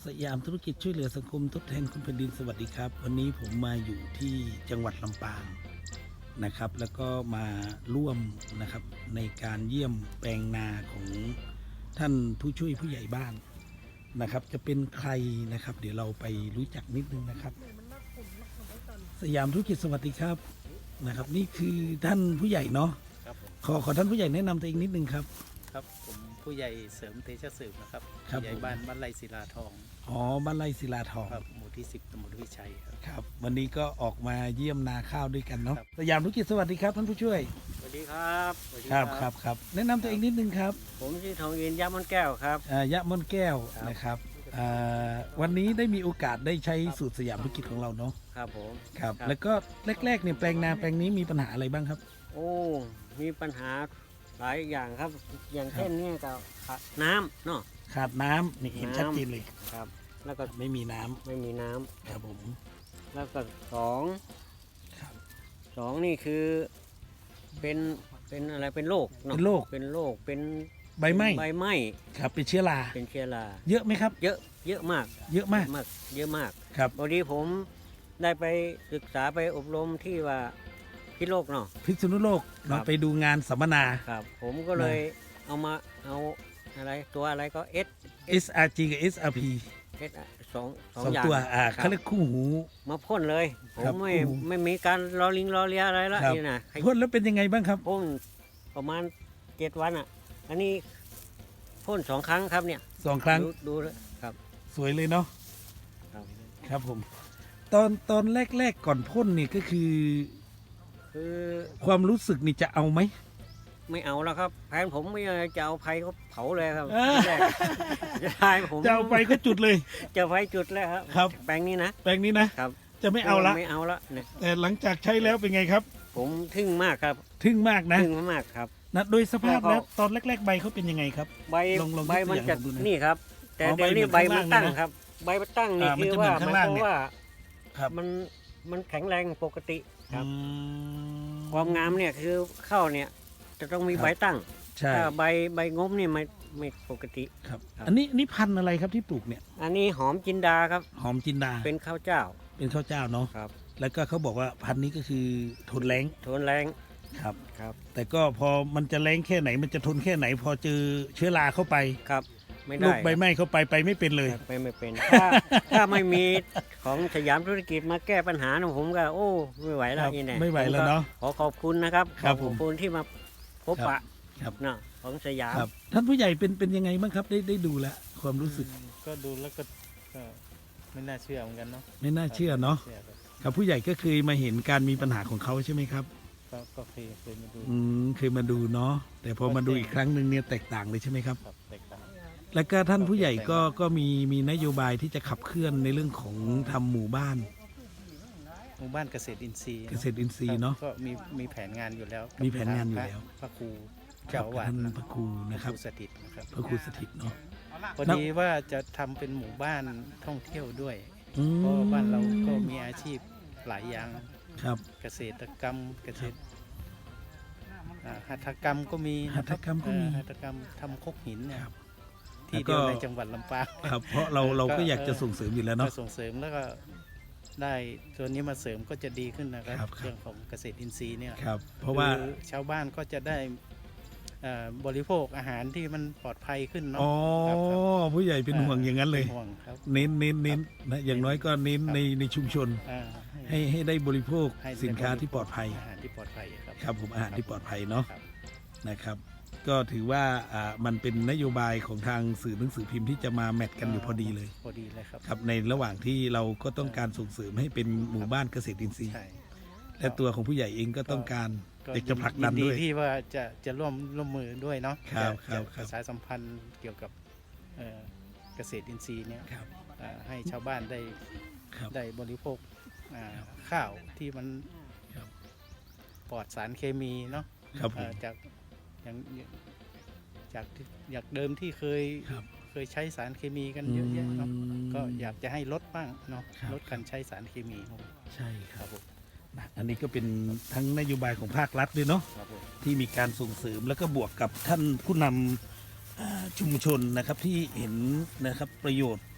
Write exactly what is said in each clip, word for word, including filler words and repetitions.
สยามธุรกิจช่วยเหลือสังคมทดแทนคุณแผ่นดินสวัสดีครับ วันนี้ผมมาอยู่ที่จังหวัดลำปางนะครับ แล้วก็มาร่วมนะครับในการเยี่ยมแปลงนาของท่านผู้ช่วยผู้ใหญ่บ้านนะครับ จะเป็นใครนะครับ เดี๋ยวเราไปรู้จักนิดนึงนะครับ สยามธุรกิจสวัสดีครับนะครับ นี่คือท่านผู้ใหญ่เนาะครับผมขอขอท่านผู้ใหญ่แนะนำตัวเองนิดนึงครับครับผมผู้ใหญ่เสริมเตชะสืบนะครับครับผู้ใหญ่ผมบ้านบ้านไร่ศิลาทองอ๋อบ้านไร่ศิลาทองครับหมู่ที่สิบตำบลวิชัยครับครับวันนี้ก็ออกมาเยี่ยมนาข้าวด้วยกันเนาะครับสยามธุรกิจสวัสดีครับท่านผู้ช่วยสวัสดีครับสวัสดีครับครับครับแนะนำตัวเองนิดนึงครับผมชื่อทองอินยามันแก้วครับอ่ายะม่อนแก้วครับนะครับอ่าวันนี้ได้มีโอกาสได้ใช้สูตรสยามธุรกิจของเราเนาะครับผมครับครับแล้วก็แรกๆเนี่ยแปลงนาแปลงนี้มีปัญหาอะไรบ้างครับโอ้มีปัญหาหลายอย่างครับ อย่างครับเช่นเนี่ยก็ขาดน้ำเนาะขาดน้ำนี่เห็นน้ำชัดเจนเลยครับ แล้วก็ไม่มีน้ำไม่มีน้ำครับผมแล้วก็สองครับสองนี่คือเป็นเป็นอะไรเป็นโรคอะเป็นโรคเป็นโรคเป็นใบไหม้ใบไหม้ครับเป็นเชื้อราเป็นเชื้อราเยอะไหมครับเยอะเยอะมากเยอะมากมากเยอะมากครับพอดีผมได้ไปศึกษาไปอบรมที่ว่าพิษโลกเนาะพิษณุโลกครัเราบไปดูงานสัมมนาครับ ผมก็เลยเอามาเอาอะไรตัวอะไรก็เอสเอส อาร์ จี กับ เอส อาร์ พีเอสสองสองสองอย่างตัวอ่าครับเขาเรียกคู่หูมาพ่นเลย ผครัมบไม่โอ้โหไม่มีการรอลิงรอเลียอะไรละครับนี่นะให้พ่นแล้วเป็นยังไงบ้างครับพ่นประมาณเจ็ดวันอ่ะ อันนี้พ่นสองครั้งครับเนี่ยสองครั้งดูดูแล้วครับสวยเลยเนาะครับครับผม ตอนตอนแรกๆก่อนพ่นนี่ก็คือคือความรู้สึกนี่จะเอาไหมไม่เอาแล้วครับแผนผมไม่จะเอาไฟเขาเผาเลยครับอ่าที่แรกจะได้ผมจะเอาไปก็จุดเลยจะไฟจุดแล้วครับครับแปลงนี้นะแปลงนี้นะครับ จะไม่เอาละไม่เอาละเนี่ยแต่หลังจากใช้แล้วเป็นไงครับผมทึ่งมากครับทึ่งมากนะทึ่งมากครับนะโดยสภาพแล้วก็แล้วตอนแรก ๆ ใบเขาเป็นยังไงครับใบลองลองใบมันยกตัวอย่างจะให้ผมดูหน่อยนี่ครับ แต่อ๋อเดี๋ยวนี้ใบใบเหมืมัอนนข้างล่างตั้งเลยนะครับ ใบมันตั้งนี่อ่ามันคือจะเหมืว่าอนหข้างมายล่างความเนี่ยว่าครับมันมันแข็งแรงปกติครับอืมความงามเนี่ยคือเข้าเนี่ยจะต้องมีครับใบตั้งใช่ถ้าใบใบงบนี่ไม่ไม่ปกติครับครับอันนี้นี่พันธุ์อะไรครับที่ปลูกเนี่ยอันนี้หอมจินดาครับหอมจินดาเป็นข้าวเจ้าเป็นข้าวเจ้าเนาะครับแล้วก็เขาบอกว่าพันธุ์นี้ก็คือทนแรงทนแรงครับครับแต่ก็พอมันจะแรงแค่ไหนมันจะทนแค่ไหน พอเจอเชื้อราเข้าไปครับไม่ลูได้กใบไม้เข้าไปไปไม่เป็นเลยครับไปไม่เป็น ถ้าถ้าไม่มีของสยามธุรกิจมาแก้ปัญหานะผมก็โอ้ไม่ไหวแล้คว รับนี่แน่ไม่ไหวแล้วเนาะขอขอบคุณนะครับครับขอบคุณที่มาพบครับปะครับเนาะของสยามครับ ท่านผู้ใหญ่เป็นเป็นยังไงบ้างครับได้ได้ดูแล้วความรู้สึกก็ดูแล้วก็ก็ไม่น่าเชื่อเหมือนกันเนาะไม่น่าเชื่อเนาะชื่อครับครับผู้ใหญ่ก็เคยมาเห็นการมีปัญหาของเขาใช่ไหมครับก็ก็เคยเคยมาดูอืมเคยมาดูเนาะแต่พอมาดูอีกครั้งหนึ่งเนี่ยแตกต่างเลยใช่ไหมครับครับแตกต่างแล้วก็ท่านผู้ใหญ่ก็ก็มีมีนโยบายที่จะขับเคลื่อนในเรื่องของทำหมู่บ้านหมู่บ้านเกษตรอินทรีย์เกษตรอินทรีย์เนาะก็มีมีแผนงานอยู่แล้วมีแผนงานอยู่แล้วพระครูครัเจ้าบอาวาสท่านนะพระครูนะครับพระครูสถิตนะครับพระครูสถิตเนาะพอดีว่าจะทำเป็นหมู่บ้านท่องเที่ยวด้วยอืมเพราะว่าบ้านเราก็มีอาชีพหลายอย่างครับเกษตรกรรมเกษตรอ่าหัตถกรรมก็มีนะคหัตถกรรมก็มีเอ่อหัตถกรรมทำคกหินเนี่ยครับที่แล้วก็เดียวในจังหวัดลำปางครับเพราะเราเราก็ก็อยากจะเออส่งเสริมอยู่แล้วก็เนาะส่งเสริมแล้วก็ได้ตัวนี้มาเสริมก็จะดีขึ้นนะครับครับครับเรื่องของเกษตรอินทรีย์เนี่ยครับ เพราะว่าคือชาวบ้านก็จะได้เอ่อบริโภคอาหารที่มันปลอดภัยขึ้นเนาะอ๋อครับครับผู้ใหญ่เป็นห่วงอย่างนั้นเลยป็ห่วงครับเน้นเน้นเน้นนะอย่างน้อยก็เน้นครับในในชุมชนอ่าให้ให้ได้บริโภคให้สินค้าที่ปลอดภัยอาหารที่ปลอดภัยครับครับผมอาหารที่ปลอดภัยเนาะครับนะครับ ก็ถือว่าอ่ามันเป็นนโยบายของทางสื่อหนังสือพิมพ์ที่จะมาแมทกันอยู่พอดีเลยพอดีเลยครับครับในระหว่างที่เราก็ต้องการส่งเสริมให้เป็นหมู่บ้านเกษตรอินทรีย์ใช่และตัวของผู้ใหญ่เองก็ต้องการอยากจะผลักดันยิด้วยที่ว่าจะจะร่วมร่วมมือด้วยเนาะครับจะครับจะครับประชาสัมพันธ์เกี่ยวกับเอ่อเกษตรอินทรีย์เนี่ยครับอ่าให้ชาวบ้านได้ครับได้บริโภคอ่าข้าวที่มันครับปลอดสารเคมีเนาะครับผเอ่มอจากอย่างจากที่อยากเดิมที่เคยครับเคยใช้สารเคมีกันเยอะแยะเนาะมก็อยากจะให้ลดบ้างเนาะครับลดการใช้สารเคมีครับผมใช่คครัรับบผมนะอันนี้ก็เป็นทั้งนโยบายของภาครัฐด้วยเนาะครับผมที่มีการส่งเสริมแล้วก็บวกกับท่านผู้นำอ่าชุมชนนะครับที่เห็นนะครับประโยชน์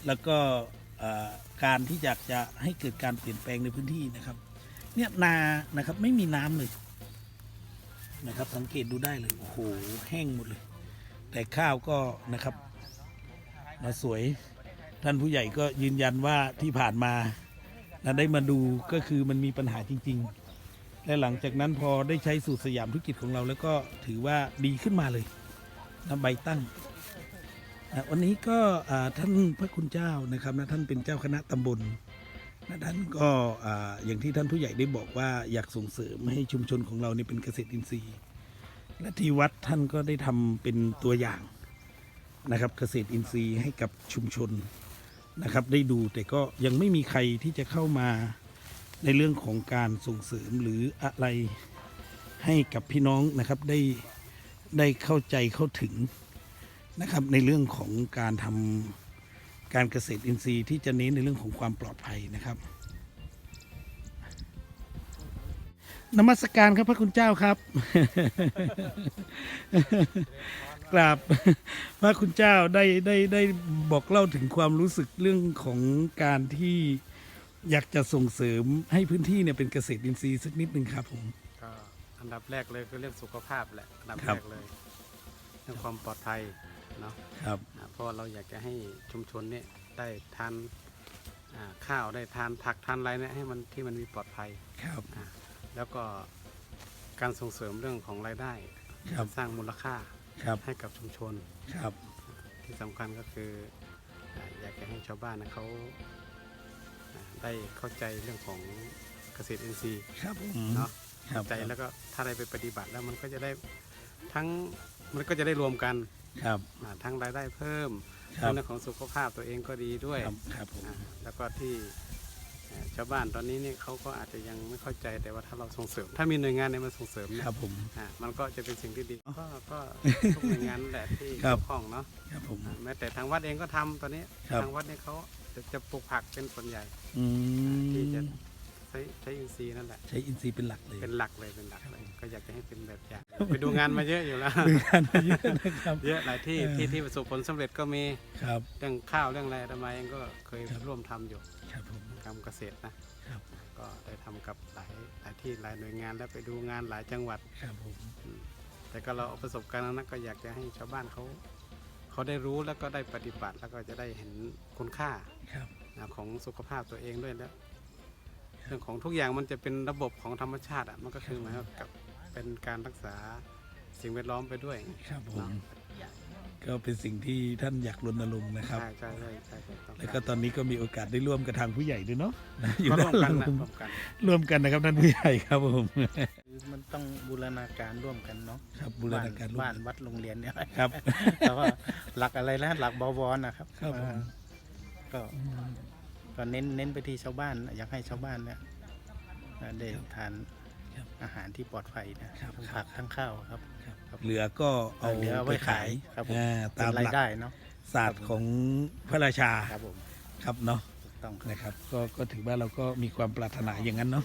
แล้วก็เอ่อการที่อยากจะให้เกิดการเปลี่ยนแปลงในพื้นที่นะครับ เนี่ยนานะครับไม่มีน้ำเลยนะครับ สังเกตดูได้เลยโอ้โหแห้งหมดเลย แต่ข้าวก็นะครับมาสวยท่านผู้ใหญ่ก็ยืนยันว่าที่ผ่านมานะได้มาดูก็คือมันมีปัญหาจริง ๆ และหลังจากนั้นพอได้ใช้สูตรสยามธุรกิจของเราแล้วก็ถือว่าดีขึ้นมาเลยนะใบตั้งนะวันนี้ก็อ่าท่านพระคุณเจ้านะครับนะท่านเป็นเจ้าคณะตำบลนะท่านก็อ่าอย่างที่ท่านผู้ใหญ่ได้บอกว่าอยากส่งเสริมให้ชุมชนของเราเนี่ยเป็นเกษตรอินทรีย์ และที่วัดท่านก็ได้ทำเป็นตัวอย่างนะครับเกษตรอินทรีย์ให้กับชุมชนนะครับได้ดูแต่ก็ยังไม่มีใครที่จะเข้ามาในเรื่องของการส่งเสริมหรืออะไรให้กับพี่น้องนะครับได้ได้เข้าใจเข้าถึงนะครับในเรื่องของการทำการเกษตรอินทรีย์ที่จะเน้นในเรื่องของความปลอดภัยนะครับนมัสการครับพระคุณเจ้าครับ กราบพระคุณเจ้าได้ได้ได้บอกเล่าถึงความรู้สึกเรื่องของการที่อยากจะส่งเสริมให้พื้นที่เนี่ยเป็นเกษตรอินทรีย์สักนิดหนึ่งครับผมก็อันดับแรกเลยคือเรื่องสุขภาพแหละอันดับครัแรบกเลยเรื่องความปลอดภัยเนาะครับอ่าเพราะว่าเราอยากจะให้ชุมชนเนี่ยได้ทานอ่าข้าวได้ทานผักทานอะไรเนี่ยให้มันที่มันมีปลอดภัยครับอ่าแล้วก็การส่งเสริมเรื่องของรายได้ครับสร้างมูลค่าครับให้กับชุมชนครับที่สำคัญก็คืออ่าอยากจะให้ชาวบ้านนะเขาอ่าได้เข้าใจเรื่องของเกษตรอินทรีย์ครับผมเนาะครับใจแล้วก็ถ้าได้ไปปฏิบัติแล้วมันก็จะได้ทั้งมันก็จะได้รวมกันครับอ่าทั้งรายได้เพิ่มครับทั้งเรื่องของสุขภาพตัวเองก็ดีด้วยครับครับผมอ่าแล้วก็ที่อ่าชาวบ้านตอนนี้เนี่ยเขาก็อาจจะยังไม่เข้าใจแต่ว่าถ้าเราส่งเสริม ถ้ามีหน่วยงานเนี่ยมาส่งเสริมเนี่ยครับผมอ่ามันก็จะเป็นสิ่งที่ดีก็ก็ทุกหน่วยงานนั่นแหละที่ครับเกี่ยวข้องเนาะครับผมอ่าแม้แต่ทางวัดเองก็ทำตอนนี้ครับทางวัดเนี่ยเขาจะจะปลูกผักเป็นส่วนใหญ่อืมที่จะใช้ใช้อินทรีย์นั่นแหละใช้อินทรีย์เป็นหลักเลยเป็นหลักเลยเป็นหลักเลยก็อยากจะให้เป็นแบบอย่าง ไปดูงานมาเยอะอยู่แล้วดูงานมาเยอะนะครับเยอะหลายที่เออที่ที่ประสบผลสำเร็จก็มีครับเรื่องข้าวเรื่องอะไรทำไมเองก็เคยครับร่วมทำอยู่ครับผมทำเกษตรนะครับ ก็ได้ทำกับหลายหลายที่หลายหน่วยงานแล้วไปดูงานหลายจังหวัดครับผมแต่ก็เราเอาประสบการณ์นั้นก็อยากจะให้ชาวบ้านเขาเขาได้รู้แล้วก็ได้ปฏิบัติ แล้วก็จะได้เห็นคุณค่าครับนะของสุขภาพตัวเองด้วยแล้วเรื่องของทุกอย่างมันจะเป็นระบบของธรรมชาติอ่ะมันก็คือหมายความกับเป็นการรักษาสิ่งแวดล้อมไปด้วยครับผมเนาะก็เป็นสิ่งที่ท่านอยากรณรงค์นะครับใช่ใช่ใช่ใช่ใช่ต้องแล้วก็ตอนนี้ก็มีโอกาสได้ร่วมกับทางผู้ใหญ่ด้วยเนาะนะอยู่ก็ร่ด้าวน มหกัลันงนะผมร่วมกันร่วมกันนะครับท่านผู้ใหญ่ครับผมมันต้องบูรณาการร่วมกันเนาะครับบูรณาการร่วมบ้านกันวัดโรงเรียนเนี่ยครับแต่ว่าหลักอะไรนะหลักบวรนะครับครับผมอ่าก็ก็เน้นเน้นไปที่ชาวบ้านอยากให้ชาวบ้านเนี่ยอ่าได้ทานครับอาหารที่ปลอดภัยนะครับ ทั้งครับผักทั้งข้าวครับ ครับเหลือก็เอาเหลือเอาไว้ไปขายขายครับผมอ่าเป็ตาน มราหยลักได้เนาะศาสตร์ของพระราชาครับผมครับเนาะถูกต้องครับนะครับก็ก็ถือว่าเราก็มีความปรารถนาอย่างนั้นเนาะ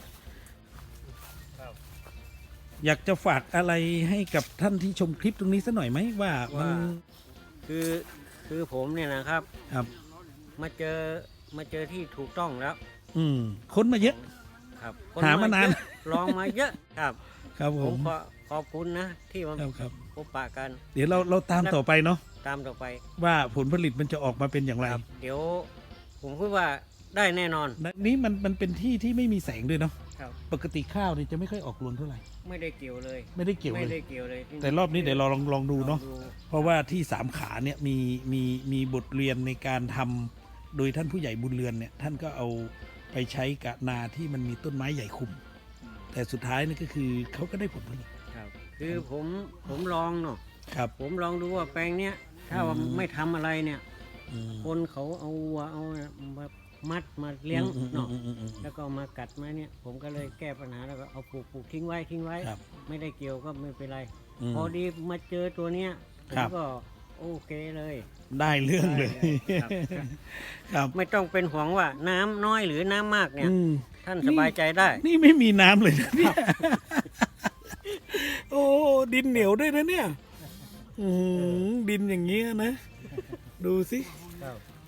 อยากจะฝากอะไรให้กับท่านที่ชมคลิปตรงนี้สักหน่อยไหมว่ามันว่า คือคือผมเนี่ยนะครับครับมาเจอมาเจอที่ถูกต้องแล้วอืมค้นมาเยอะครับหามานานเยอะลองมาเยอะครับครับผผม มขอขอบคุณนะ ที่มาครับครับพบปะกันเดี๋ยวเราเราตามต่อไปเนาะตามต่อไปว่าผลผลิตมันจะออกมาเป็นอย่างไรครับ เดี๋ยวผมคิดว่าได้แน่นอนนี่มันมันเป็นที่ที่ไม่มีแสงด้วยเนาะครับปกติข้าวนี่จะไม่ค่อยออกรวงเท่าไหร่ไม่ได้เกี่ยวเลยไม่ได้เกี่ยวไม่เลได้ยเกี่ยวเลยแต่รอบนี้เดี๋ยวเราลองลองดูเนาะลองเพราะว่าที่สามขาเนี่ยมีมีมีบทเรียนในการทำโดยท่านผู้ใหญ่บุญเรือนเนี่ยท่านก็เอาไปใช้กับนาที่มันมีต้นไม้ใหญ่คุม แต่สุดท้ายนี่ก็คือเขาก็ได้ผลผลิตครับ คือผมผมลองเนาะครับผมลองดูว่าแปลงเนี้ยถ้าว่าอืมไม่ทำอะไรเนี่ยอืมคนเขาเอาวัวเอามามัดมาเลี้ยงอืมเนาะอืมอืมอืมอืมแล้วก็มากัดมาเนี่ย ผมก็เลยแก้ปัญหาแล้วก็เอาปลูกปลูกทิ้งไว้ทิ้งไว้ครับไม่ได้เกี่ยวก็ไม่เป็นไรมพอดีมาเจอตัวเนี้ยผครัมบก็โอเคเลยได้เรื่องเลยครับครับไม่ต้องเป็นห่วงว่าน้ำน้อยหรือน้ำมากเนี่ยอืมท่านสบายใจได้นี่ไม่มีน้ำเลยนะเนี่ย โอ้ดินเหนียวด้วยนะเนี่ย อืมดินอย่างเงี้ยนะ ดูสิครับอ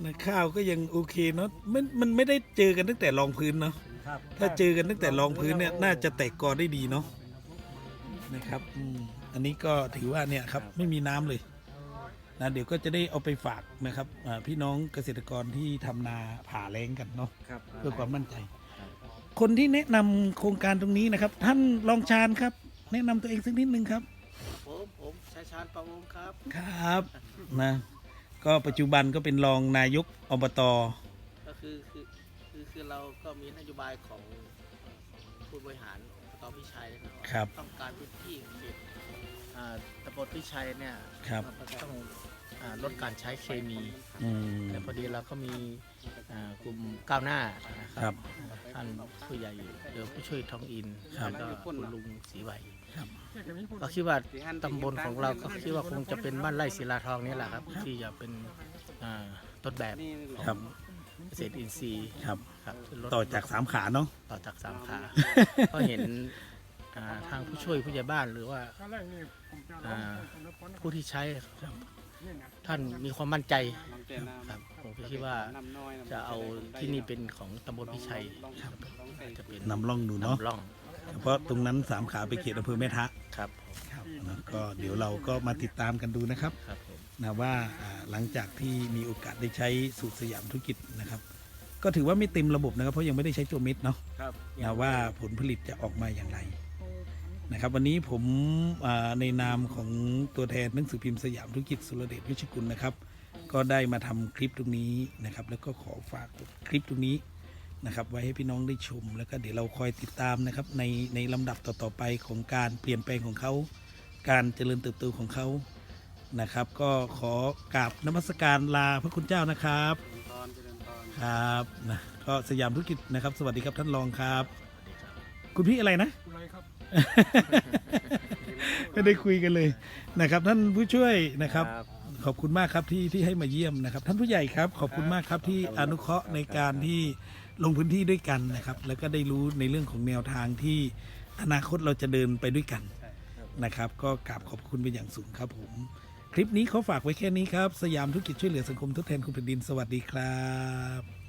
นะข้าวก็ยังโอเคเนาะมันมันไม่ได้เจอกันตั้งแต่รองพื้นเนาะครับถ้าเจอกันตั้งแต่รองพื้นเนี่ยน่าจะแตกกอได้ดีเนาะนะครับอืมอันนี้ก็ถือว่าเนี่ยครับไม่มีน้ำเลยนะเดี๋ยวก็จะได้เอาไปฝากนะครับอ่าพี่น้องเกษตรกรที่ทำนาผ่าแล้งกันเนาะครับเพื่อความมั่นใจ คนที่แนะนำโครงการตรงนี้นะครับ ท่านรองชาญครับ แนะนำตัวเองสักนิดนึงครับผมผมชายชาญประวงครับครับนะก็ปัจจุบันก็เป็นรองนายกอบตก็คือคือคือคือเราก็มีนโยบายของผู้บริหารอบตพิชัยนะว่าครับต้องการพื้นที่เขตอ่าตำบลพิชัยเนี่ยครับมันต้องอ่าลดการใช้เคมีอืมแต่พอดีเราก็มีอ่ากลุ่มก้าวหน้านะคครัรับ ท่านผู้ใหญ่เดี๋ยวผู้ช่วยทองอินครับแล้วก็คุณลุงศรีใบครับก็คิดว่าตำบลของเราก็คิดว่าคงจะเป็นบ้านไร่ศิลาทองนี่แหละครับ ที่จะเป็นอ่าต้นแบบครับเกษตรอินทรีย์ครับครับลดต่อจากสามขาเนาะต่อจากสามขา ก็เห็นอ่าทางผู้ช่วยผู้ใหญ่บ้านหรือว่าอ่าผู้ที่ใช้ครับท่านมีความมั่นใจครับผมก็คิดว่าจะเอาที่นี่เป็นของตำบลพิชัยครับจะเป็นนำร่องดูเนาะนำร่องเพราะตรงนั้นสามขาไปเขตอำเภอแม่ทะครับครับนะก็เดี๋ยวเราก็มาติดตามกันดูนะครับครับผมนะว่าอ่าหลังจากที่มีโอกาสได้ใช้สูตรสยามธุรกิจนะครับ ก็ถือว่าไม่เต็มระบบนะครับเพราะยังไม่ได้ใช้ตัวเม็ดเนาะครับนะว่าผลผลิตจะออกมาอย่างไรนะครับ วันนี้ผมอ่าในนามของตัวแทนหนังสือพิมพ์สยามธุรกิจสุรเดชวิชกุลนะครับ ก็ได้มาทำคลิปตรงนี้นะครับ แล้วก็ขอฝากคลิปตรงนี้นะครับ ไว้ให้พี่น้องได้ชม แล้วก็เดี๋ยวเราคอยติดตามนะครับในในลำดับต่อๆไปของการเปลี่ยนแปลงของเขาการเจริญเติบโตของเขานะครับ ก็ขอกราบนมัสการลาพระคุณเจ้านะครับตอนเจริญพรครับนะก็สยามธุรกิจนะครับ สวัสดีครับท่านรองครับ คุณพี่อะไรนะ ไม่ได้คุยกันเลยนะครับ ท่านผู้ช่วยนะครับ ขอบคุณมากครับที่ที่ให้มาเยี่ยมนะครับ ท่านผู้ใหญ่ครับ ขอบคุณมากครับที่อนุเคราะห์ในการที่ลงพื้นที่ด้วยกันนะครับ แล้วก็ได้รู้ในเรื่องของแนวทางที่อนาคตเราจะเดินไปด้วยกันนะครับ ก็กราบขอบคุณเป็นอย่างสูงครับผม คลิปนี้เขาฝากไว้แค่นี้ครับ สยามธุรกิจช่วยเหลือสังคมทดแทนคุณแผ่นดินสวัสดีครับ